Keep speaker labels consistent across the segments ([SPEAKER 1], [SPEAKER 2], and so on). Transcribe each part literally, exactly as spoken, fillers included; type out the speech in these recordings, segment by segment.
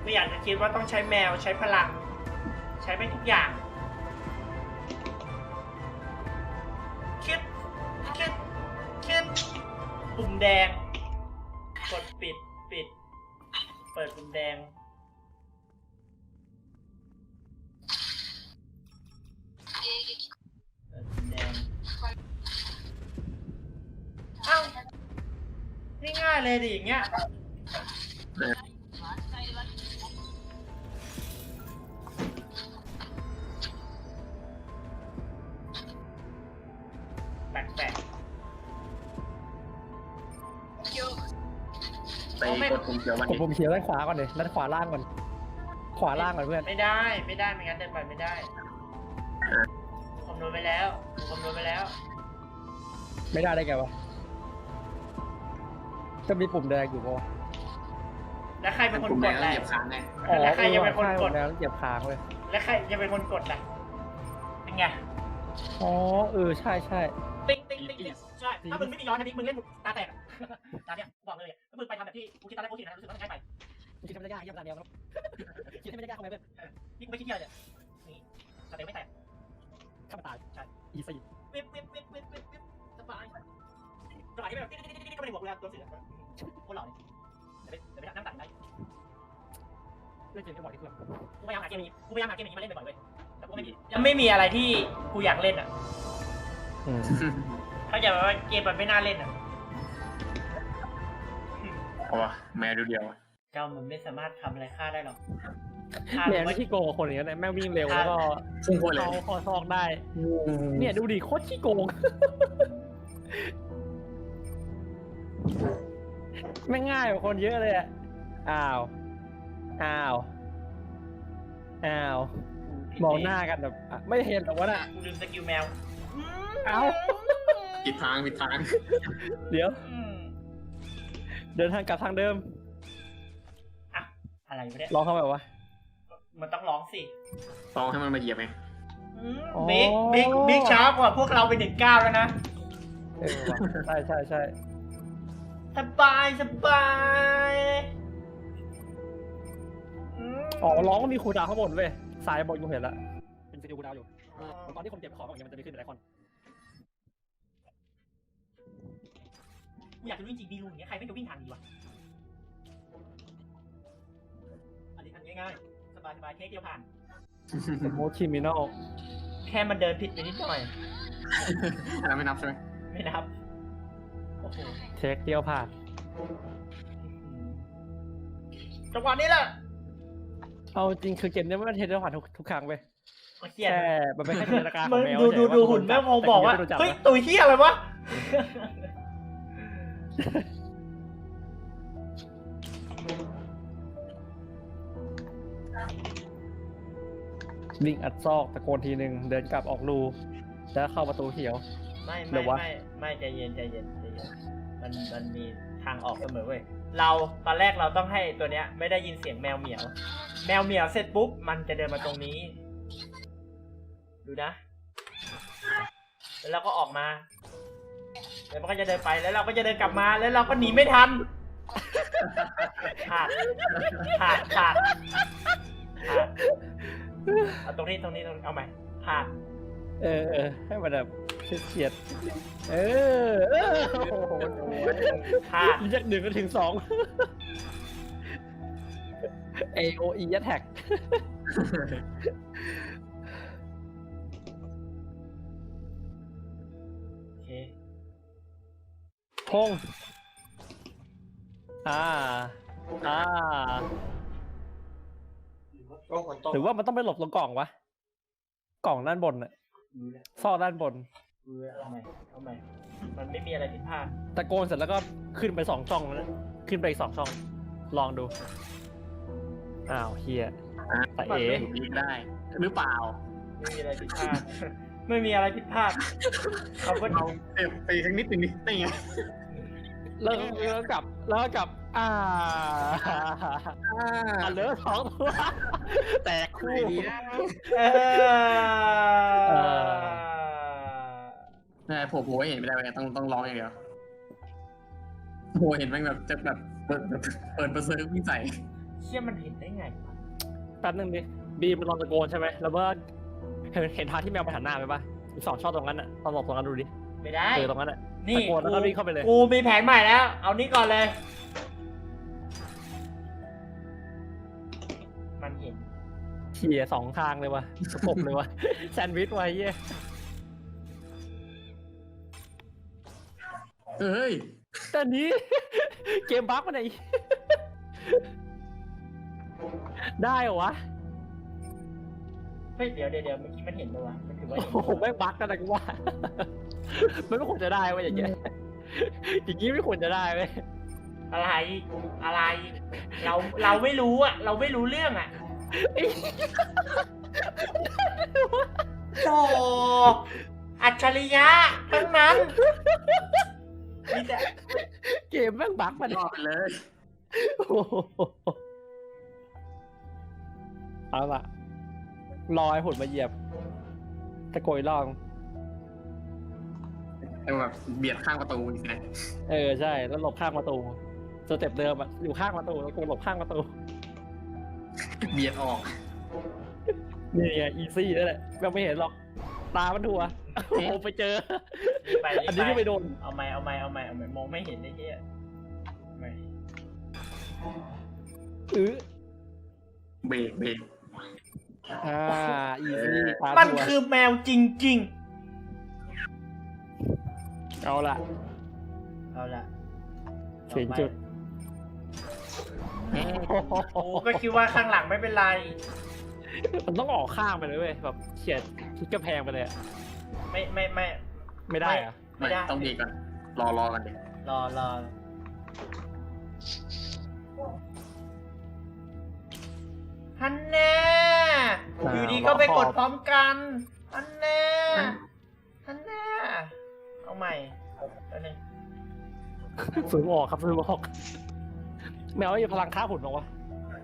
[SPEAKER 1] ไม่อยากจะคิดว่าต้องใช้แมวใช้พลัง ใช้ไปทุกอย่างคิดคิดคิดปุ่มแดงกดปิดปิดเปิดปุ่มแดงเปิดปุ่มแดงเอ้าง่ายๆเลยดิอย่างเงี้ยแปลก
[SPEAKER 2] ไปกดปุ่มเขียวมัน
[SPEAKER 3] กดปุ่มเขียวด้านขวาก่อนเลยด้านขวาล่างก่อนขวาล่างก่อนเพื่อน
[SPEAKER 1] ๆไม่ได้ไม่ได้ไม่งั้นเดินไปไม่ได้คำนวณไปแล้วคำนวณไปแล้ว
[SPEAKER 3] ไม่ได้ได้ไงวะจะมีปุ่มแดงอยู่ปะวะ
[SPEAKER 1] แล้วใครเป็นคน
[SPEAKER 2] ปุ่ม
[SPEAKER 1] ก
[SPEAKER 2] แด
[SPEAKER 1] ด
[SPEAKER 2] ง
[SPEAKER 1] ล่ะ
[SPEAKER 2] เหยียบค้างไง
[SPEAKER 1] แล้วใครจะเป็นคนกด
[SPEAKER 3] แล้วเหยียบค้างเลย
[SPEAKER 1] แล้วใครจะเป็นคนกดล่ะเป็นไง
[SPEAKER 3] อ๋อเออใช่ใช่
[SPEAKER 1] ติ๊งติ๊งติ๊งติ๊งใช่ ถ้ามึงไม่มีย้อนนะนี่มึงเล่นตาแตกอะตาเนี้ยบอกเลยถ้ามึงไปทำแบบที่กูคิดตอนแรกกูคิดนะรู้สึกว่ามันง่ายไป
[SPEAKER 3] คิดไม่ได้ยากเยี่ยมตามเดียวครับคิดไม่ได้ยากทำไมเพื่อน
[SPEAKER 1] นี่กูไม่คิดเยอะเลยนี่สเต็ปไม่แตก
[SPEAKER 3] ข้ามตายใช่อีซี่
[SPEAKER 1] วิบวิบวิบวิบวิบวิบสบายสบายที่แบบติ๊งติ๊งติ๊งติ๊งก็ไม่ได้บอกเวลาตัวเสือโคตรหล่อเลยแต่ไม่แต่ไม่นั่งตัดได้
[SPEAKER 3] เล่นเกมก็บอกที่เพื่อน
[SPEAKER 1] กูพยายามหาเกมนี้กูพยายามหาเกมนี้มาเล่นบ่อยๆเว้ยแต่กูไม่มียังไม่มีอะไรที่กูอยากเล่นอ่ะถ้าอยากว่าเกมมันไม่น่าเล่นอ่ะ
[SPEAKER 2] โอ้แมวดูเดียว
[SPEAKER 1] เจ้ามันไม่สามารถทำอะไรข้าได้หรอก
[SPEAKER 3] แมวนี่ขี้โกงคนอย่างนี้นแม่งวิ่งเร็วแล้วก็
[SPEAKER 2] พุ่งโคตรเลย
[SPEAKER 3] เข้าคอซอกได้ เนี่ยดูดิโคตรขี้โกงไม่ง่ายกว่าคนเยอะเลยอ่ะอ้าวอ้าวอ้าวมองหน้ากันแบบไม่เห็นหรอกว่าน่ะ
[SPEAKER 1] กูลืมสกิลแมว
[SPEAKER 3] เอ้า
[SPEAKER 2] ผิดทางผิดทาง
[SPEAKER 3] เดี๋ยว
[SPEAKER 1] อืม
[SPEAKER 3] เดินทางกลับทางเดิม
[SPEAKER 1] อะอะไรวะเนี่ย
[SPEAKER 3] ลองเข้าไปวะ
[SPEAKER 1] มันต้องร้องสิ
[SPEAKER 2] ลองให้มันมาเหยียบไง
[SPEAKER 1] อืม
[SPEAKER 3] อ๋อ
[SPEAKER 1] บิ๊กบิ๊กบิ๊กช้ากว่าพวกเราไปหนึ่งเก้าแล้วนะ
[SPEAKER 3] เออว่ะใช่ใช่ใช่
[SPEAKER 1] สบายสบายม
[SPEAKER 3] อ๋อร้องมันมีคูลดาวน์ข้างบนเว้ยสายบนกูเห็นละเป็นสกิลคูลดาวน์อยู่ตอนที่คนเก็บของอย่างเงี้ยมันจะมีขึ้นเป็นไอคอน
[SPEAKER 1] กูอยากจะวิ่งจริงดีลุงอย่างเงี้ยใครไม่จะวิ่งทางนี้วะอันนี้อันง่ายๆสบายสบายเทคเดียวผ่าน
[SPEAKER 3] สมมติคิมินอล
[SPEAKER 1] แค่มันเดินผิดไปนิดหน่อย
[SPEAKER 2] อันนั้นไม่นับใช่ไหม
[SPEAKER 1] ไม่นับโอ้โห
[SPEAKER 3] เทคเดียวผ่าน
[SPEAKER 1] จังหวะนี้แหละ
[SPEAKER 3] เอาจริงคือเกมเนี้ยมันเทคเดียวผ่านทุกทุกครั้งเว้ย
[SPEAKER 1] โอ้เหี้ย
[SPEAKER 3] แค่มันเป็นแค่จินตนาการข
[SPEAKER 1] มึ
[SPEAKER 3] อง
[SPEAKER 1] ง
[SPEAKER 3] แมว
[SPEAKER 1] ดูดูดูหุ่นแม่งพอบอกว่าเฮ้ยตุยเหี้ยอะไรวะ
[SPEAKER 3] วิ่งอัดซอกตะโกนทีหนึ่งเดินกลับออกรูแล้วเข้าประตูเขียว
[SPEAKER 1] ไม่
[SPEAKER 3] หรื
[SPEAKER 1] ไม่
[SPEAKER 3] อวะ
[SPEAKER 1] ไม่ไม่ใจเย็นใจเย็นใจเย็นมันมันมีทางออกเสมอเว้ยเราตอนแรกเราต้องให้ตัวเนี้ยไม่ได้ยินเสียงแมวเหมียว แมวเหมียวเสร็จปุ๊บมันจะเดินมาตรงนี้ ดูนะ แล้วเราก็ออกมาแล้วมันก็จะเดินไปแล้วเราก็จะเดินกลับมาแล้วเราก็หนีไม่ทันขาดขาดขาดขาดเอาตรงนี้ตรงนี้ตรงนี้เอาใหม่ขาด
[SPEAKER 3] เออเออให้มันแบบเฉียดๆเออเออโอ้โห
[SPEAKER 1] ขาด
[SPEAKER 3] จากหนึ่งก็ถึงสอง เอ โอ อี attack
[SPEAKER 1] โอเค
[SPEAKER 3] พงอ่าอ่าหรือว่ามันต้องไปหลบตรงกล่องวะ กล่องด้านบนอะซอกด้านบน
[SPEAKER 1] เอาใหม่เอาใหม่มันไม่มีอะไรผิดพลาด
[SPEAKER 3] ตะโกนเสร็จแล้วก็ขึ้นไปสองช่องแล้วนะขึ้นไปอีกสองช่อง ลองดู อ้าวเฮียตาเอ๋
[SPEAKER 2] ยิงได้ หรือเปล่า
[SPEAKER 1] ไม่มีอะไรผิดพลาด ไม่มีอะไรผิดพลาดเขาก็
[SPEAKER 2] เราเต็มไปสักนิดหนึ่งนิดนี่ไง
[SPEAKER 3] แล้วแล้วกลับ แล้วกลับ อ่าอ่าเหลือสองตัวแตกคู่
[SPEAKER 1] เอ
[SPEAKER 3] เอ
[SPEAKER 1] อ
[SPEAKER 2] ใช่โผล่โผล่ให้เห็นไม่ได้เลยต้องต้องร้องอย่างเดียวโผล่เห็นแม่งแบบจะแบบเปิดเปิดเปิดเบอร์เซอร์วิ่งใส่
[SPEAKER 1] เชี่ยมันเห็นได้ไงวะ
[SPEAKER 3] แป๊บนึงดิบีมมันลองตะโกนใช่ไหมแล้วเมื่อเห็นเห็นทางที่แมวไปหันหน้าไปปะมีสองช่องตรงนั้นอ่ะลองบอกตรงนั้นดูดิ
[SPEAKER 1] ไม่ได้
[SPEAKER 3] เจอตรงนั้นอ่ะ
[SPEAKER 1] นี่
[SPEAKER 3] ตะโกนแล้วก็วิ่งเข้าไปเลย
[SPEAKER 1] กูมีแผนใหม่แล้ว เอานี้ก่อนเลย มันเห็น
[SPEAKER 3] เขี่ยสองทางเลยวะสกบเลยวะ แซนด์วิชไว้เหี้ย
[SPEAKER 2] เอ้ย
[SPEAKER 3] แต่นี้ เกมบั๊กมันไหน ได้เหรอวะ
[SPEAKER 1] เฮ้ยเดี๋ยวเดี๋ยวเดี๋ยวเมื่อกี้มันเห็นปะวะมันถือว่า
[SPEAKER 3] โอ้
[SPEAKER 1] เห็น
[SPEAKER 3] โหแม่งบั๊กกันนะกูว่า มันไม่ควรจะได้เว้ยอย่างเงี้ยอย่างงี้ไม่ควรจะได้เว้ย
[SPEAKER 1] อะไร อะไร เราเราไม่รู้อะเราไม่รู้เรื่องอะโอ้อัจฉริยะทั้งนั้นมีแต่
[SPEAKER 3] เกมแม่งบั๊กมัน
[SPEAKER 2] รอดไปเลย
[SPEAKER 3] โอ้โหเอาล่ะรอให้หุ่นมาเหยียบตะโกยลอง
[SPEAKER 2] แต่แบบเบียดข้างประตูอีกนะ
[SPEAKER 3] เออใช่แล้วหลบข้างประตูสเต็ปเดิมอะอยู่ข้างประตูแล้วกูหลบข้างประตู
[SPEAKER 2] เบียดออก
[SPEAKER 3] นี่ไงอีซี่นั่นแหละแม่งไม่เห็นหรอกตามันทัวโอ้โหไปเจอ
[SPEAKER 1] ไป
[SPEAKER 3] อันนี้ก็ไปโดน
[SPEAKER 1] เอาไม่เอาไม่เอาไม่เอาไม่มองไม่เห็นไอ้เหี้ยไม่
[SPEAKER 3] อื้อ
[SPEAKER 2] เบรกเบรก
[SPEAKER 3] อ่าอีซี่ตา
[SPEAKER 1] มัน
[SPEAKER 3] ทัว
[SPEAKER 1] คือแมวจริง
[SPEAKER 3] เอาล่ะ
[SPEAKER 1] ๆ เอาละ
[SPEAKER 3] ถึงจุด
[SPEAKER 1] โอ้ก็คิดว่าข้างหลังไม่เป็นไร
[SPEAKER 3] มันต้องออกข้างไปเลยเว้ยแบบเฉียดทิศกระแพงไปเลยอะ
[SPEAKER 1] ไม่ไม่ไม่
[SPEAKER 3] ไม่ได้เหรอะ
[SPEAKER 1] ไม่
[SPEAKER 2] ไม่
[SPEAKER 1] ได้
[SPEAKER 2] ต้องเบรกก่อน รอรอกันดิ
[SPEAKER 1] รอรอฮันแน่อยู่ดีก็ไปกดพร้อมกันฮันแน่ฮันแน่เอาใหม่แล้วนึง
[SPEAKER 3] ฝืนออกครับฝืนออกแมวมีพลังฆ่าหุ่นหรอวะ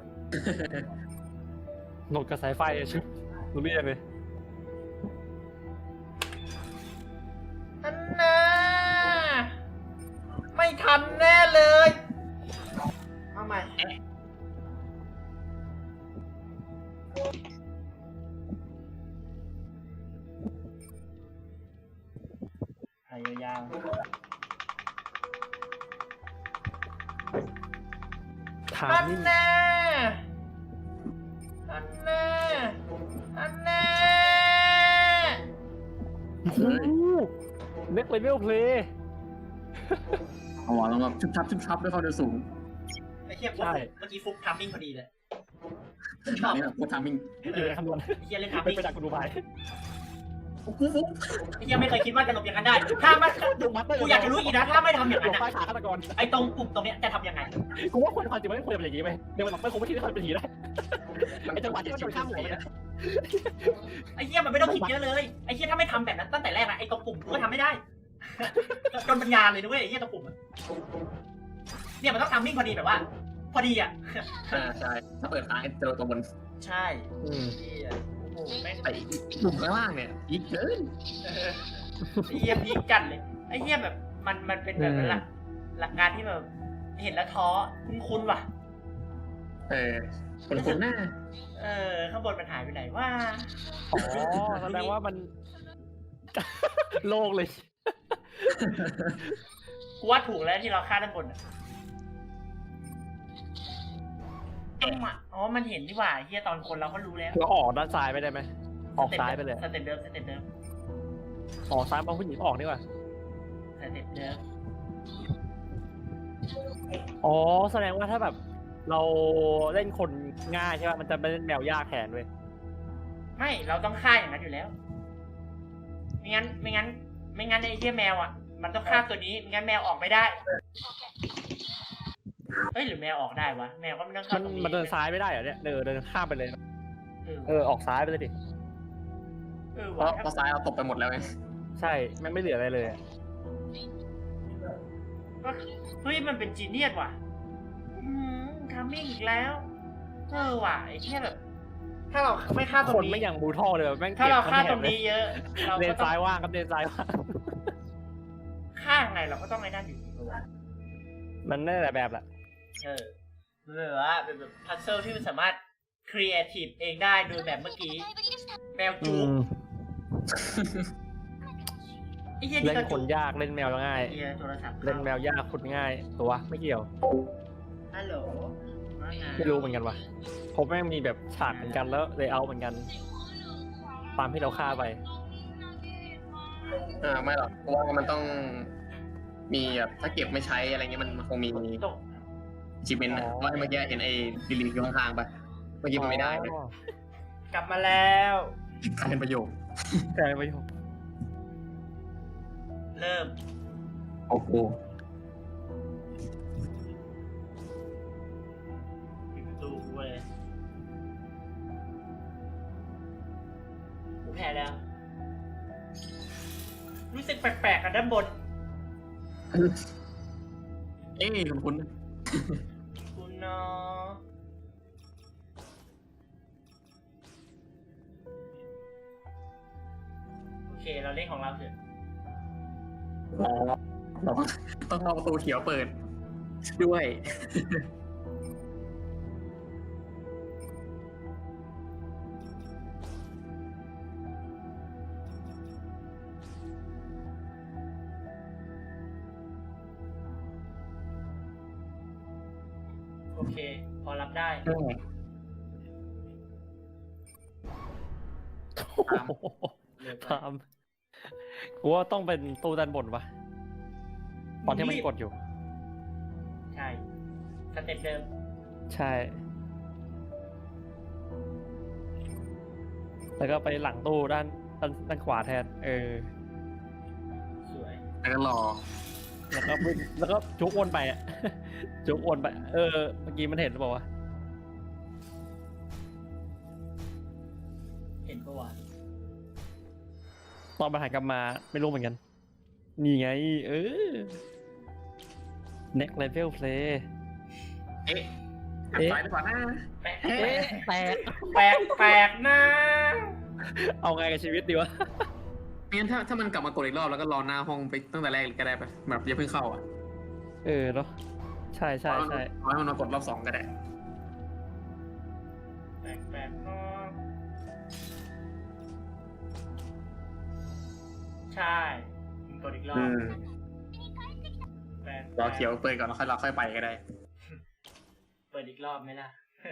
[SPEAKER 3] หนดกับสายไฟอะชิบรู้เรียกเลย
[SPEAKER 1] ฮันแน่ไม่ทันแน่เลยเอาใหม่หายยาวๆ
[SPEAKER 3] ถาม
[SPEAKER 1] อัน
[SPEAKER 3] นี่
[SPEAKER 1] แน่อันแน่อันแน่
[SPEAKER 3] โอ้โหเน็กเลเวลเพลย์
[SPEAKER 2] เอาหัวลงแบบชุบชับชุบชับด้วยความเร็วสูง
[SPEAKER 1] ไอ้เหี้ยฟุกเมื่อกี้ฟุกทัมมิ่งพอดีเลยช
[SPEAKER 2] ตอ
[SPEAKER 1] อน บ
[SPEAKER 2] นี้แบบโคตรทามิ่ง
[SPEAKER 3] อยู่ในคำนวณ
[SPEAKER 1] ไอ้เหี้ยเล่นทัม
[SPEAKER 3] ไม่
[SPEAKER 1] มิ่ง
[SPEAKER 3] ไปจากกูดูไป
[SPEAKER 2] ปุ๊บปุ๊บ
[SPEAKER 1] ไอ้เหี้ยไม่เคยคิดว่าจะหลบอย่างนั้นได้ ถ้ามันกูอยากจะรู้อีกนะ ถ้าไม่ทำอย่าง
[SPEAKER 3] หล
[SPEAKER 1] นั้น
[SPEAKER 3] บใต้
[SPEAKER 1] อะ
[SPEAKER 3] ขาฆาตกร
[SPEAKER 1] ไอ้ตรงปุ่มตรงเนี้ยจะทำยังไง
[SPEAKER 3] กูว่าคนความจริงไม่ควรจะเป็นอย่างนี้ไหมเดี๋ยวมันไม่คงไม่คิดว่าเขาเป็นผีได้ไอ้จังหวะที่มันข้ามหัวมัน
[SPEAKER 1] ไอ้เหี้ยมันไม่ต้องคิดเยอะเลย ไอ้เหี้ยถ้าไม่ทำแบบนั้นตั้งแต่แรกนะไอ้ตรงปุ่มกูก็ทำไม่ได้ จนปัญญาเลยด้วยไอ้เหี้ยตรงปุ่มอะเนี่ยมันต้องทัมมิ่งพอดีแบบว่า พอดีอ่ะ
[SPEAKER 2] อ่าใช่ถ้าเปิดค้างเจอตัวบน
[SPEAKER 1] ใช่เหี้ยโอ้โหแม่ง
[SPEAKER 2] แต่หนุ่มข้างล่างเนี่ยยิงเกิน
[SPEAKER 1] เออไอ้เหี้ยพีคจัดเลยไอ้เหี้ยแบบมันมันเป็นแบบนั้นหลักหลักการที่แบบเห็นแล้วท้อคุ้นๆว่ะ
[SPEAKER 2] เออคนคนหน้า
[SPEAKER 1] เออข้างบนมันหายไปไหนว่า
[SPEAKER 3] อ๋อแสดงว่ามัน โล่งเลย
[SPEAKER 1] กูว่าถูกแล้วที่เราฆ่าด้านบนอ่ะจังหวะอ๋อมันเห็นนี่หว่าเฮียตอนคนเราก็รู้แล้ว
[SPEAKER 3] เราออกด้านซ้ายไปได้ไหมออกซ้ายไปเลย
[SPEAKER 1] สเต็ปเดิมสเต็ปเดิม
[SPEAKER 3] ออกซ้ายมองผู้หญิงออกนี่ว่ะ
[SPEAKER 1] สเต็ปเดิม
[SPEAKER 3] อ๋อแสดงว่าถ้าแบบ เราเล่นคนง่ายใช่ป่ะมันจะไม่เล่นแมวยากแทนเว้ย
[SPEAKER 1] ไม่เราต้องฆ่าอย่างนั้นอยู่แล้วไม่งั้นไม่งั้น ไม่งั้นไอ้เฮียแมวอ่ะมันต้องฆ่าตัวนี้ไม่งั้นแมวออกไม่ได้เฮ้ยหรือแมวออกได้วะแมวก็ไม่ต้อง
[SPEAKER 3] มั
[SPEAKER 1] เข้าน ตรงนี้
[SPEAKER 3] มันเดินซ้ายไม่ได้เหรอเนี่ยเดินเดินข้ามไปเลย
[SPEAKER 1] เออ
[SPEAKER 3] เออออกซ้ายไปเลยดิ
[SPEAKER 1] เออ
[SPEAKER 2] เพ
[SPEAKER 1] ว่ะ
[SPEAKER 2] ราะเพราะซ้ายเราตกไปหมดแล้วไง
[SPEAKER 3] ใช่แม่งไม่เหลืออะไรเลยอะ
[SPEAKER 1] ก็เฮ้ยมันเป็นจีเนียสว่ะอืมทำมิ่งอีกแล้วเออว่ะไอ้แค่แบบ ถ้าเราไม่ฆ่าตร
[SPEAKER 3] คน
[SPEAKER 1] งนี้
[SPEAKER 3] ไม่อย่างบูทอลเลยแบบแม่ง
[SPEAKER 1] ถ้าเรา
[SPEAKER 3] ก็บ
[SPEAKER 1] ฆ่า
[SPEAKER 3] แถ
[SPEAKER 1] ต
[SPEAKER 3] บ
[SPEAKER 1] รง
[SPEAKER 3] เลย
[SPEAKER 1] นี้เยอะ เรา
[SPEAKER 3] เล
[SPEAKER 1] ก็
[SPEAKER 3] น
[SPEAKER 1] ต้อง
[SPEAKER 3] ซ้ายว่างครับเลนซ้ายว่าง
[SPEAKER 1] ฆ่าไงเราก็ต้องไอ้นั่นอยู่ดีกว่า
[SPEAKER 3] มันได้หลายแบบแหละ
[SPEAKER 1] เออมันแบบว่าเป็นแบบพัซเซิลที่มันสามารถครีเอทีฟเองได้โดยแบบเมื่อกี้แมว
[SPEAKER 3] อื
[SPEAKER 1] จูบ
[SPEAKER 3] ม
[SPEAKER 1] ไอ้เหี้ย
[SPEAKER 3] เล่
[SPEAKER 1] นี่
[SPEAKER 3] น
[SPEAKER 1] ก็
[SPEAKER 3] ค
[SPEAKER 1] จู
[SPEAKER 3] น
[SPEAKER 1] บ
[SPEAKER 3] ยากเล่นแมวง่าย
[SPEAKER 1] ไอ้เหี้ยโทรศัพท์
[SPEAKER 3] เล่นแมวยากขุดง่าย ตัวไม่เกี่ยว
[SPEAKER 1] ฮัลโหลว่าไง
[SPEAKER 3] ไม่รู้เหมือนกันว่ะผมแม่งมีแบบฉากเหมือนกันแล้วเลยเอาเหมือนกันตามที่เราฆ่าไป
[SPEAKER 2] เออไม่หรอกเพราะว่ามันต้องมีแบบถ้าเก็บไม่ใช้อะไรเงี้ยมันมันคงมี
[SPEAKER 1] ตก
[SPEAKER 2] จิเมนต์นะ
[SPEAKER 3] อ๋อ
[SPEAKER 2] ว่าเมื่อกี้เห็นไอ้ดิลิทอยู่ข้างๆปะเมื่อกี้มันไม่ได้เลย
[SPEAKER 3] อ๋อก
[SPEAKER 1] ลับมาแล้ว
[SPEAKER 2] กลายเป็นประโยค
[SPEAKER 3] กลายประโยค
[SPEAKER 1] เริ่ม
[SPEAKER 2] โอ้โห
[SPEAKER 1] ปิดประตูกูเลยกูแพ้แล้ว รู้สึกแปลกๆกันด้านบน
[SPEAKER 2] เอ้ยคุณคุณ
[SPEAKER 1] คุณเนาะโอเค เราเล่นของเราเถอะ
[SPEAKER 2] อ๋อเราต้องรอประตูเขียวเปิด ด้วย
[SPEAKER 1] โอเค พอรับได้
[SPEAKER 2] ตาม
[SPEAKER 1] เร็วไป
[SPEAKER 3] ตามกูว่าต้องเป็นตู้ด้านบนปะตอนที่มันกดอยู่
[SPEAKER 1] ใช่ สเต็ปเดิม
[SPEAKER 3] ใช่ แล้วก็ไปหลังตู้ด้านด้านด้านขวาแทน เออ
[SPEAKER 1] สวย
[SPEAKER 2] แล้วก็รอ
[SPEAKER 3] แล้วก็วิ่งแล้วก็จุกวนไปอ่ะ จุกวนไป เออ เมื่อกี้มันเห็นหรือเปล่าวะ
[SPEAKER 1] เห็นปะวะ
[SPEAKER 3] ตอนมาหันกลับมาไม่รู้เหมือนกัน นี่ไง เออ next level play
[SPEAKER 2] เอ๊ะ
[SPEAKER 3] เอ๊ะ
[SPEAKER 2] ไปหรือเปล่านะ
[SPEAKER 1] แปลก
[SPEAKER 3] เอ๊ะแตก
[SPEAKER 1] แปลกแปลกนะ
[SPEAKER 3] เอาไงกับชีวิตดีวะ
[SPEAKER 2] งั้นถ้าถ้ามันกลับมากดอีกรอบแล้วก็รอหน้าห้องไปตั้งแต่แรกก็ได้ปะแบบอย่าเพิ่งเข้าอ่ะ
[SPEAKER 3] เออเนาะใช่ใช่ใช่
[SPEAKER 2] เอาให้มันมากดรอบสองก็ได้
[SPEAKER 1] แปลกแปลกเนาะใช่มึงกดอีกรอบ
[SPEAKER 2] อืม
[SPEAKER 1] แปลก
[SPEAKER 2] รอเขียวเปิดก่อนแล้วค่อยเราค่อยไปก็ได้
[SPEAKER 1] เปิดอีกรอบไหมล่ะ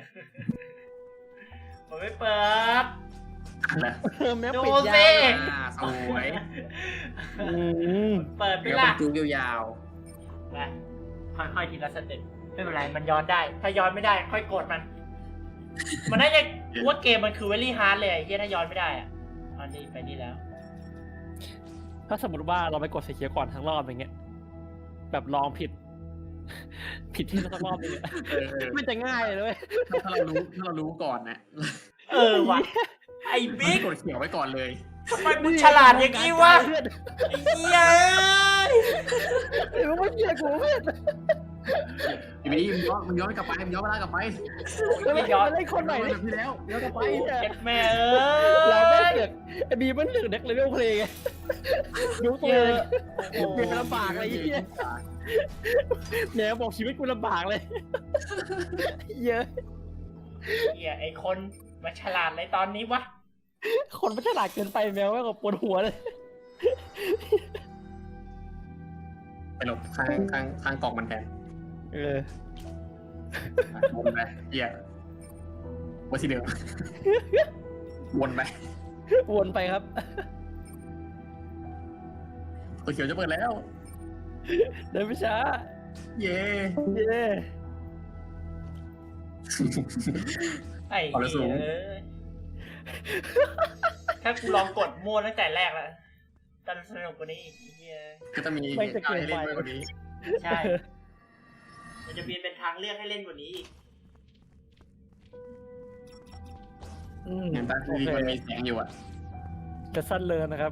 [SPEAKER 1] ผมไม่เปิด
[SPEAKER 2] นะ
[SPEAKER 3] เออแม่
[SPEAKER 1] ดู
[SPEAKER 3] ปิด
[SPEAKER 1] สิ
[SPEAKER 3] ยาว
[SPEAKER 2] อ่าสวย
[SPEAKER 3] อืม
[SPEAKER 1] เปิดไป
[SPEAKER 2] เดี๋ยว
[SPEAKER 1] ล่ะ
[SPEAKER 2] มันจูยาว
[SPEAKER 1] ไปค่อยๆทีละสเต็ปไม่เป็นไร มันย้อนได้ ถ้าย้อนไม่ได้ ค่อยกดมัน มันน่าจะกูว่าเกมมันคือเวลี่ฮาร์ดเลยไอ้เฮียถ้าย้อนไม่ได้อะอันนี้ไปนี่แล้ว
[SPEAKER 3] ถ้าสมมติว่าเราไปกดสีเขียวก่อนทั้งรอบอย่างเงี้ย แบบลองผิด ผิดที่ทั้งรอบอย่างเงี้ย
[SPEAKER 2] ๆเออเออ
[SPEAKER 3] มันจะง่ายเลยเว้ย
[SPEAKER 2] ถ้าเรารู้ถ้าเรารู้ก่อนนะ
[SPEAKER 1] เออว่ะ ไอ้บิ๊ก
[SPEAKER 2] กดเขียวไว้ก่อนเลย
[SPEAKER 1] ทำไมมึงฉลาดอย่างนี้วะ ไอ้เหี้ย
[SPEAKER 3] เอ้ยไม่เชื่อกูเพื่อน
[SPEAKER 2] ทีนี้มันย้อนมันย้อนกลับไปมันย้อนเวลากลับไป
[SPEAKER 3] ไม่ย้อนเล่นคนใหม่
[SPEAKER 2] แบ
[SPEAKER 3] เลย
[SPEAKER 2] บที่แล้วย้อนกลับไป
[SPEAKER 1] เจ็ดแม่เอ
[SPEAKER 3] เราไม่
[SPEAKER 1] ้ย
[SPEAKER 3] เสือกไอ้บีมันเสือกเด็กเลเวลเพลย์ไงดูตัว
[SPEAKER 1] เย
[SPEAKER 3] เอ
[SPEAKER 1] อะ
[SPEAKER 3] ง
[SPEAKER 1] โอ้โห
[SPEAKER 3] เปลี่ยนเป็นลำบากอะไรอย่างเงี้ยแหนบอกชีวิตกูลำบากเลย เยอะ
[SPEAKER 1] เหี้ยไอ้คนมาฉลาดในตอนนี้วะ
[SPEAKER 3] คนไม่ฉลาดเกินไปแมวแม่งก็ปวดหัวเลย
[SPEAKER 2] ไปหลบข้างข้างข้างกล่องมันแทน
[SPEAKER 3] เออ
[SPEAKER 2] วนไปเหี้ยวนที่เดิมวนไป
[SPEAKER 3] วนไปครับ
[SPEAKER 2] ตัวเขียวจะเปิดแล้ว
[SPEAKER 3] เดินไม่ช้า
[SPEAKER 2] เย้
[SPEAKER 3] เย้
[SPEAKER 1] ไอ้
[SPEAKER 2] เอาเลยสู
[SPEAKER 1] เหี้
[SPEAKER 2] ง
[SPEAKER 1] ยเอ้ยถ้ากูลองกดมั่วตั้งแต่แรกแล้วจะสนุกกว่านี้อีกไอ้เหี้ย
[SPEAKER 2] ก็จะมีเหตุการณ์ให้เล่นมากกว่านี้
[SPEAKER 1] ใช่ มันจะมีเป็นทางเลือกให้เล่นกว่านี้อีก
[SPEAKER 3] อืม
[SPEAKER 2] เห็นปะ
[SPEAKER 3] โอ
[SPEAKER 2] ที่
[SPEAKER 3] เค
[SPEAKER 2] มันมีแสงอยู่อ่ะ
[SPEAKER 3] จะสั้นเลยนะครับ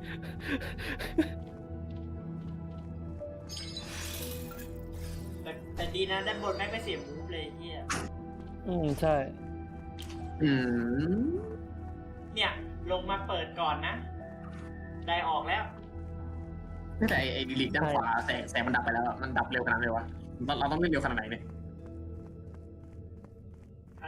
[SPEAKER 1] แต่แต่ดีนะด้านบนแม่งไม่เสียมูฟเลยไอ้เหี้ย
[SPEAKER 3] อืมใช่
[SPEAKER 2] อืม
[SPEAKER 1] เนี่ย ลงมาเปิดก่อนนะ ได้ออกแล้ว
[SPEAKER 2] แต่ไอ้ไอ้ดิลิทด้านขวาแสงแสงมันดับไปแล้วอะมันดับเร็วขนาดไหนวะเราเราต้องเล่นเร็วขนาดไหนเนี่ย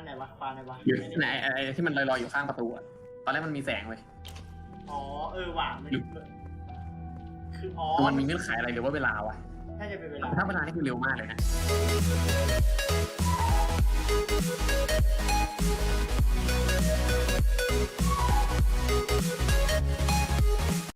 [SPEAKER 1] ไหนวะควานไหนวะ
[SPEAKER 2] อยู่ไหนไอ้ไอ้ที่มันลอยๆอยู่ข้างประตูอะตอนแรกมันมีแสงเว้ย
[SPEAKER 1] อ๋อเออว่ะมันคืออ๋อ
[SPEAKER 2] มันมีเงื่อนไขอะไรหรือว่าเวลาวะ
[SPEAKER 1] ถ้าจะเป็นเวลา
[SPEAKER 2] ถ้าเวลานี่คือเร็วมากเลยนะ